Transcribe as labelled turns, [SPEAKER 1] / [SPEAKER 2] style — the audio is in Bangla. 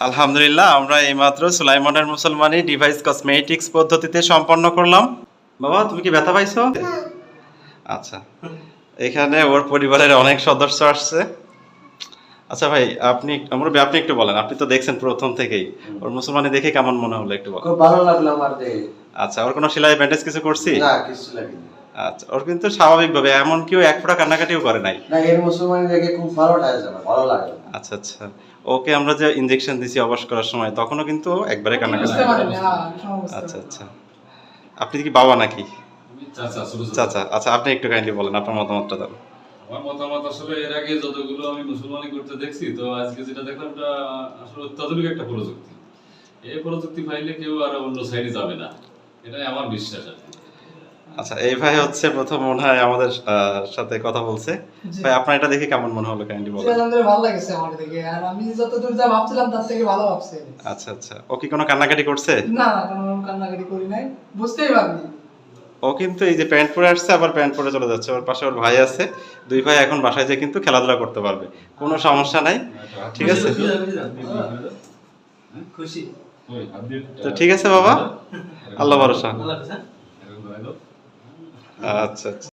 [SPEAKER 1] আলহামদুলিল্লাহ, আমরা এইমাত্র সুলাইমানের মুসলমানি ডিভাইস কসমেটিক্স পদ্ধতিতে সম্পন্ন করলাম। বাবা, তুমি কি ব্যথা পাইছো? আচ্ছা, এখানে ওর পরিবারের অনেক সদস্য আসছে। আচ্ছা ভাই, আপনি একটু বলেন, আপনি তো দেখছেন প্রথম থেকেই, ওর মুসলমানি দেখে কেমন মনে হলো একটু বলেন।
[SPEAKER 2] খুব ভালো লাগলো আমার দেখে।
[SPEAKER 1] আচ্ছা, ওর কোনো সেলাই ব্যান্ডেজ কিছু করছি?
[SPEAKER 2] না, কিছু লাগেনি।
[SPEAKER 1] আচ্ছা, ওর কিন্তু স্বাভাবিকভাবে এমন কেউ এক ফোঁটা কান্নাকাটিও করে নাই।
[SPEAKER 2] না, এর মুসলমানি দেখে খুব ভালো লাগছে, আমার ভালো লাগলো।
[SPEAKER 1] আচ্ছা আচ্ছা, ওকে আমরা যে ইনজেকশন দিছি অবশ করার সময়, তখনও কিন্তু একবারে কান্নাকাটি।
[SPEAKER 3] বুঝতে পারিনি, হ্যাঁ, সময় বুঝতে
[SPEAKER 1] আচ্ছা
[SPEAKER 3] পারিনি।
[SPEAKER 1] আচ্ছা, আপনি কি বাবা নাকি?
[SPEAKER 4] চাচা, ছোট চাচা।
[SPEAKER 1] চাচা, আচ্ছা আপনি একটু কাইন্ডলি বলেন আপনার মতামতটা দেন।
[SPEAKER 4] আমার মতামত আসলে এর আগে যতগুলো আমি মুসলমানি করতে দেখছি, তো আজকে যেটা দেখলাম এটা আসলে অত্যাধুনিক একটা প্রযুক্তি। এই প্রযুক্তি পাইলে কেউ আর অন্য সাইডে যাবে না, এটাই আমার বিশ্বাস আর কি।
[SPEAKER 1] আচ্ছা, এই ভাই হচ্ছে প্রথম মনে হয় আমাদের সাথে কথা বলছে।
[SPEAKER 3] জি।
[SPEAKER 1] ভাই, আপনার এটা দেখে কেমন মনে হলো কাইন্ডলি
[SPEAKER 3] জি,
[SPEAKER 1] বলেন।
[SPEAKER 3] আলহামদুলিল্লাহ ভালো লাগছে আমার দেখে। আর আমি যতদূর যা ভাবছিলাম তার থেকে ভালো ভাবছি।
[SPEAKER 1] আচ্ছা আচ্ছা, ও কি কোনো কান্নাকাটি করছে?
[SPEAKER 3] না না, কোনো কান্নাকাটি করি নাই, বুঝতেই পারিনি।
[SPEAKER 1] ও কিন্তু এই যে প্যান্ট পরে আসছে, আবার প্যান্ট পরে চলে যাচ্ছে। ওর পাশে ওর ভাই আছে, দুই ভাই এখন বাসায় যেয়ে কিন্তু খেলাধুলা করতে পারবে, কোনো সমস্যা নাই। ঠিক আছে,
[SPEAKER 2] খুশি।
[SPEAKER 4] ওই, হাত দিয়ে
[SPEAKER 1] তো ঠিক আছে বাবা, আল্লাহ ভরসা।
[SPEAKER 4] এরকম লাগালো।
[SPEAKER 1] আচ্ছা আচ্ছা।